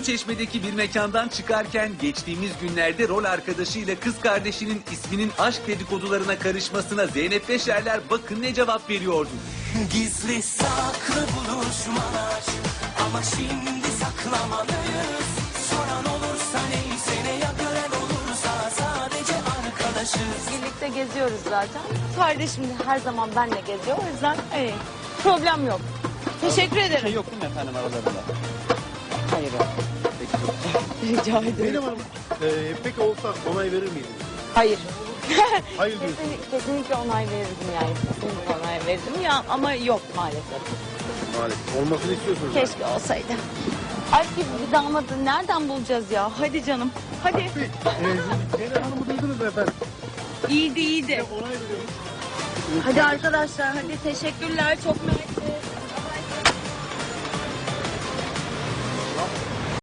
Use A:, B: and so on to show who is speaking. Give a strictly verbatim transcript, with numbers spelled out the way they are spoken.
A: Uluçeşme'deki bir mekandan çıkarken geçtiğimiz günlerde rol arkadaşıyla kız kardeşinin isminin aşk dedikodularına karışmasına Zeynep Beşerler bakın ne cevap veriyordu.
B: Gizli saklı buluşmalar ama şimdi saklamalıyız. Soran olursa neyse ne ya gören olursa sadece arkadaşız.
C: Birlikte geziyoruz zaten. Kardeşim de her zaman benle geziyor. O yüzden hani, problem yok. Teşekkür ederim.
D: Şey yok değil mi efendim aralarında?
C: Hayır yok. Rica ederim.
E: Zeynep Hanım, e, peki olsa onay verir miydiniz?
C: Hayır.
E: Hayır diyorsunuz.
C: Kesinlikle, kesinlikle onay verirdim yani. Kesinlikle onay verirdim ya ama yok maalesef.
E: Maalesef. Olmasını istiyorsunuz. yani.
C: Keşke olsaydı. Aşk gibi bir damadı nereden bulacağız ya? Hadi canım. Hadi.
E: E, Zeynep Hanım'ı duydunuz mu efendim?
C: İyiydi iyiydi.
E: Onay veriyormuş.
C: Hadi arkadaşlar hadi teşekkürler. Çok mersi.